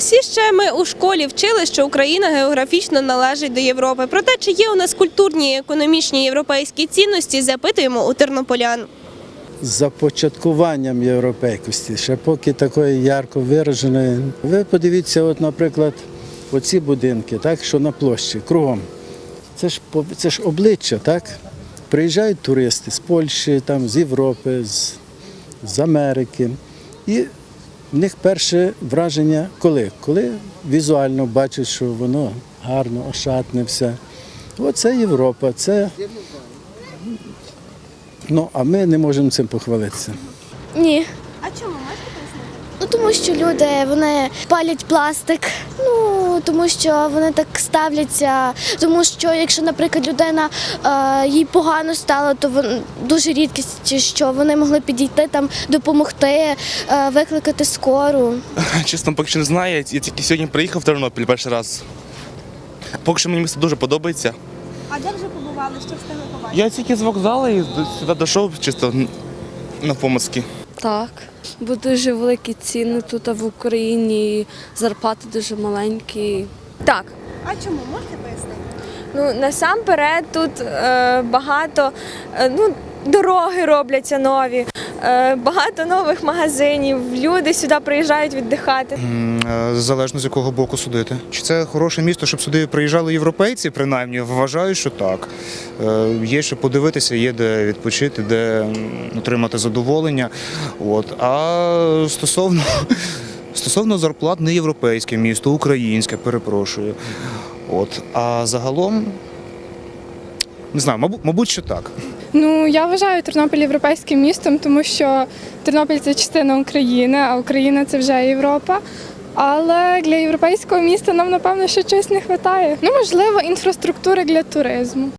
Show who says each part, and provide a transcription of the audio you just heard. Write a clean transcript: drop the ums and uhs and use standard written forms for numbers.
Speaker 1: Всі ще ми у школі вчили, що Україна географічно належить до Європи. Проте, чи є у нас культурні і економічні європейські цінності, запитуємо у тернополян.
Speaker 2: З започаткуванням європейськості, ще поки такої ярко вираженої. Ви подивіться, от, наприклад, оці будинки, так, що на площі, кругом. Це ж обличчя, так? Приїжджають туристи з Польщі, там, з Європи, з Америки. І в них перше враження коли? Коли візуально бачать, що воно гарно, ошатне все. Оце Європа, це... Ну, а ми не можемо цим похвалитися.
Speaker 3: Ні.
Speaker 1: А чому, можете пояснити?
Speaker 3: Ну, тому що люди, вони палять пластик, тому що вони так ставляться, тому що якщо, наприклад, людина, їй погано стало, то дуже рідкість, що вони могли підійти, там, допомогти, викликати скору.
Speaker 4: Чесно, поки що не знаю, я тільки сьогодні приїхав в Тернопіль перший раз. Поки що мені місто дуже подобається.
Speaker 1: А де вже побували, що встигли побачити?
Speaker 4: Я тільки з вокзалу і сюди дійшов чисто навпомацьки.
Speaker 5: Так, бо дуже великі ціни тут в Україні, і зарплати дуже маленькі.
Speaker 6: Так.
Speaker 1: А чому, можете пояснити?
Speaker 6: Ну, насамперед тут багато, дороги робляться нові, багато нових магазинів, люди сюди приїжджають віддихати.
Speaker 7: Залежно з якого боку судити. Чи це хороше місто, щоб сюди приїжджали європейці, принаймні? Вважаю, що так. Є що подивитися, є де відпочити, де отримати задоволення. А стосовно зарплат, не європейське місто, українське, перепрошую. А загалом, не знаю, мабуть, що так.
Speaker 8: Ну, я вважаю Тернопіль європейським містом, тому що Тернопіль – це частина України, а Україна – це вже Європа. Але для європейського міста нам, напевно, ще чогось не вистачає. Ну, можливо, інфраструктури для туризму.